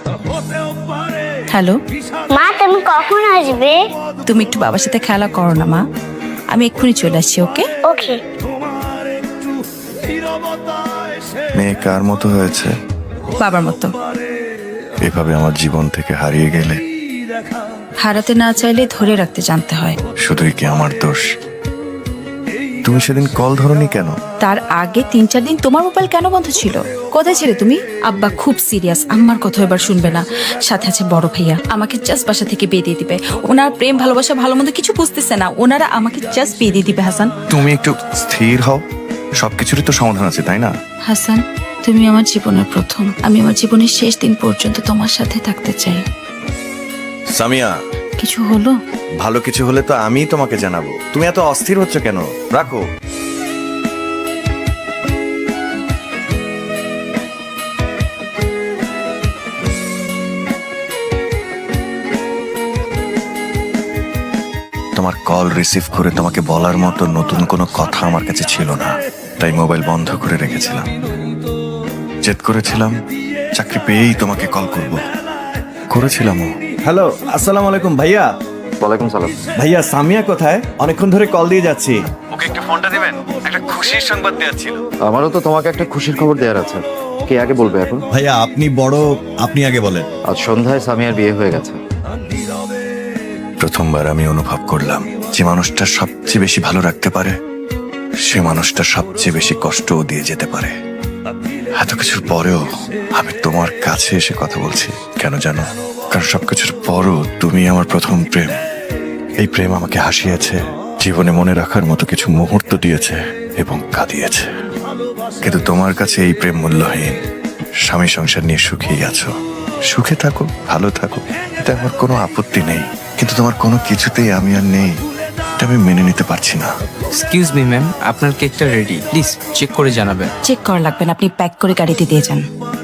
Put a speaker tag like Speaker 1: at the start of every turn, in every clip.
Speaker 1: Hello
Speaker 2: মা, তুমি কখন আসবে?
Speaker 1: তুমি একটু বাবার সাথে খেলা করো না মা, আমি এক্ষুনি চলে আসছি। ওকে
Speaker 2: ওকে।
Speaker 3: মেয়ে কার মতো হয়েছে?
Speaker 1: বাবার মতো।
Speaker 3: এভাবে আমার জীবন থেকে হারিয়ে গেলে
Speaker 1: হারাতে না চাইলে ধরে রাখতে জানতে হয়।
Speaker 3: শুধুই কি আমার দোষ? তুমি সেদিন কল ধরনি কেন?
Speaker 1: তার আগে 3-4 দিন তোমার মোবাইল কেন বন্ধ ছিল? কোথায় ছিলে তুমি? আব্বা খুব সিরিয়াস, আম্মার কথা এবার শুনবে না। সাথে আছে বড় ভাইয়া, আমাকে জাস্ট বাসা থেকে বিয়ে দিয়ে দিবে। ওনার প্রেম ভালোবাসা ভালো মন্দ কিছু বুঝতেছে না, ওনারা আমাকে জাস্ট বিয়ে দিয়ে দিবে। হাসান,
Speaker 3: তুমি একটু স্থির হও, সবকিছুরই তো সমাধান আছে, তাই না?
Speaker 1: হাসান তুমি আমার জীবনের প্রথম, আমি আমার জীবনের শেষ দিন পর্যন্ত তোমার সাথে থাকতে চাই।
Speaker 3: সামিয়া,
Speaker 1: কিছু হলো?
Speaker 3: ভালো কিছু হলে তো আমিই তোমাকে জানাবো। তুমি এত অস্থির হচ্ছ কেন? রাখো। তোমার কল রিসিভ করে তোমাকে বলার মতো নতুন কোনো কথা আমার কাছে ছিল না, তাই মোবাইল বন্ধ করে রেখেছিলাম। জেদ করেছিলাম চাকরি পেয়েই তোমাকে কল করব, করেছিলামও।
Speaker 4: হ্যালো, আসসালামু আলাইকুম ভাইয়া।
Speaker 5: ওয়ালাইকুম সালাম।
Speaker 4: ভাইয়া সামিয়া কোথায়? অনেকক্ষণ ধরে কল দিয়ে যাচ্ছি।
Speaker 3: ওকে একটু ফোনটা দিবেন, একটা খুশির সংবাদ দেওয়ার ছিল।
Speaker 5: আমারও তো তোমাকে একটা খুশির খবর দেওয়ার আছে। কে আগে বলবে এখন?
Speaker 4: ভাইয়া আপনি বড়, আপনি আগে বলেন।
Speaker 5: আজ সন্ধ্যায় সামিয়ার বিয়ে হয়ে গেছে।
Speaker 3: প্রথমবার আমি অনুভব করলাম যে মানুষটা সবচেয়ে বেশি ভালো রাখতে পারে সে মানুষটা সবচেয়ে বেশি কষ্টও দিয়ে যেতে পারে। এত কিছুর পরেও আমি তোমার কাছে এসে কথা বলছি কেন জানো? কারণ সবকিছুর পরও তুমি আমার প্রথম প্রেম। এই প্রেম আমাকে হাসিয়েছে, জীবনে মনে রাখার মতো কিছু মুহূর্ত দিয়েছে এবং কাঁদিয়েছে। কিন্তু তোমার কাছে এই প্রেম মূল্যহীন। স্বামী সংসার নিয়ে সুখেই আছো, সুখে থাকো, ভালো থাকো, এটা আমার কোনো আপত্তি নেই। কিন্তু তোমার কোনো কিছুতেই আমি আর নেই, এটা আমি মেনে নিতে পারছি না।
Speaker 6: এক্সকিউজ মি ম্যাম, আপনার কেকটা রেডি, প্লিজ চেক করে জানাবেন।
Speaker 1: চেক করা লাগবে না, আপনি প্যাক করে গাড়িতে দিয়ে যান।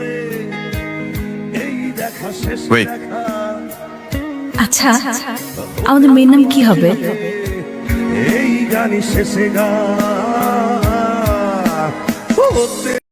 Speaker 3: ওয়েট,
Speaker 1: আচ্ছা আমাদের মেয়ের নাম কি হবে?
Speaker 7: এই গানি শেষে গা